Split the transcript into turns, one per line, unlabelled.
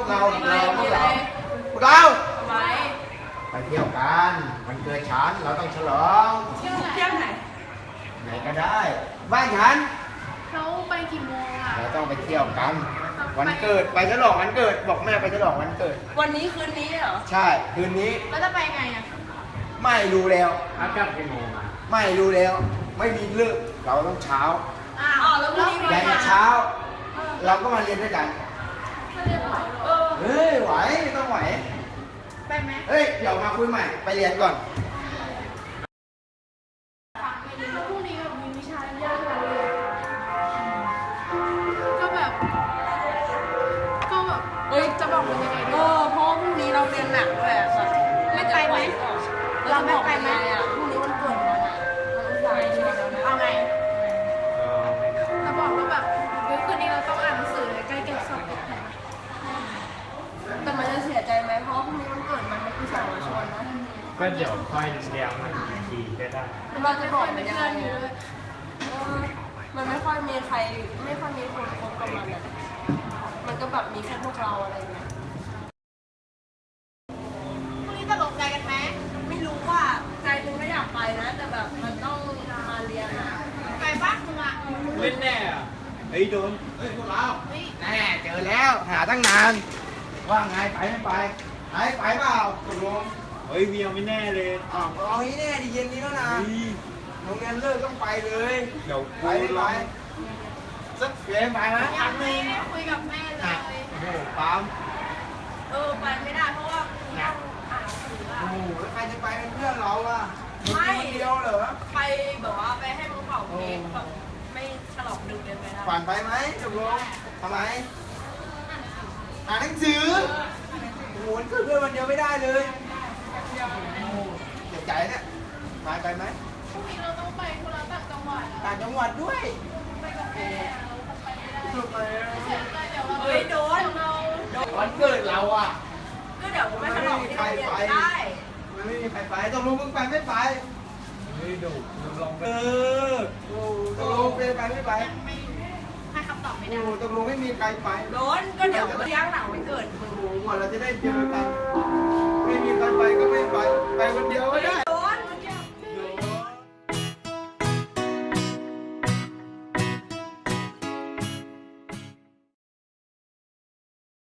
เรา
ทำไม
ไปเที่ยวกันวันเกิดฉันเราต้องฉลอง
เที่ยวไหน
ไหนก็ได้บ้านฉัน
เขาไปกี่โมงอ่ะ
เราต้องไปเที่ยวกันวันเกิดไปฉลองวันเกิดบอกแม่ไปฉลองวันเกิด
วันนี้คืนนี้เหรอ
ใช่คืนนี้
แล้วจะไปไงอ่ะ
ไม่รู้แล้ว
อากาศกี่โมงอ่ะ
ไม่รู้แล้ว ไม่มีเลิกเราต้องเช้า
อ้า
อ๋อแล้วพรุ่งนี้
ใหญ่เช้า เราก็มาเรียนด้วยกัน
ไม่ได้ไหว
เฮ้ยไหวไม่ต้องไหว
ไปไหม
เฮ้ยเดี๋ยวมาคุยใหม่ไปเรียนก่อน
ไปเรียนแล้วพรุ่งนี้แบบมีวิชายากๆเลยก็แบบ
เฮ้ย
จะบอกมันยังไงดี
เพราะว่าพรุ่งนี้เราเรียนหนักด้วยอะค่ะ
ไม่ไปไหม
เราไม่ไปไหมอ่ะพรุ่งนี้วันเกิดมันอ่ะมันอุตส่าห์เรียนแล้วนะ
เอาไงจะบอกว่าแบบเฮ้ยคืนนี้เราต้องอ่านหนังสือเลยใกล้เก็บสอบแล้ว
แต่มันจะเสียใจไหมเพราะว่าพรุ่งนี้วันเกิดมันอุตส่าห์มาชวนนะ
ก็เดี๋ยวค่อยเลี้ยงมันอีกทีก็ได้
เราจะบอกมัน
เป็น
ยัง
เพื่
ไง
อนอยู่
อะ
เลย
มันไม่ค่อยมีใครไม่ค่อยมีคนคบกับมันอ่ะมันก็แบบมีแค่พวกเราอะไรเงี้ย
พรุ่งนี้จะลงใจกันไหม
ไม่รู้ว่าใจนึงไม่อยากไปนะ แต่แบบมันต้องมาเรียนอ่ะ
ไปบ้านมึงอ่ะ
เล่นแน่อ่ะเฮ้ยโดน
เฮ้ยพวกเรา
เฮ้ย
แน่เจอแล้วหาตั้งนาน ว่าไงไปไม่ไปไปเปล่าตกลง
เฮ้ยเมียไม่แน่เลย
อ้าวเอาให้แน่ดิเย็นนี้แล้วนะ
เฮ้ย
โรงเรียนเลิกต้องไปเลย
เดี๋ยว
ไปไม่ไปสักเกมไปไหม
ยังไม่ได้คุยกับแม่เลย
โอ้โหปั๊ม
ไปไม่ได้เพราะว่าต้องอ่านหนังสืออ่ะ
โอ้โหแล้วใครจะไปเป็นเพื่อนเราอ่ะ
ไม่
คนเดียวเหรอ
ไปแบบว่าไปให้มึงเป่าเค้กแบบไม่ฉลองดึกเกินไปนะ
ฝันไปไหมตกลงทำไมอ่านหนังสือโอ้โหคือเพื่อนวันเดียวไม่ได้เลยโอ้โหเสียใจเนี่ยไปไหม
พรุ่งนี้เราต้องไปธุระต่างจังหวัดอะ
ต่างจังหวัดด้วย
ไปกับแม่เราไปไม่ได้
ทำไมอะ
เสียใจเดี๋ยวเรา
เฮ้ยโดน
เรา
วันเกิดเราอ่ะ
ก็เดี๋ยวกูไม่ฉลองที่โรงเรียนก็ได้
มันไม่มีใครไปตกลงมึงไปไม่ไป
เฮ้ยดูลองไป
โอ้ตกลงไปไม่ไป
ไม่ให้คำตอบไม่
โอ้
ได้
ตกลงไม่มีใครไป
โดนก็เดี๋ยวเลี้ยงหลังวันเกิดมึง
โอ้โหกว่าเราจะได้เจอกัน ไม่มีใครไปก็ไม่ไป ไปคนเดียวก็ได้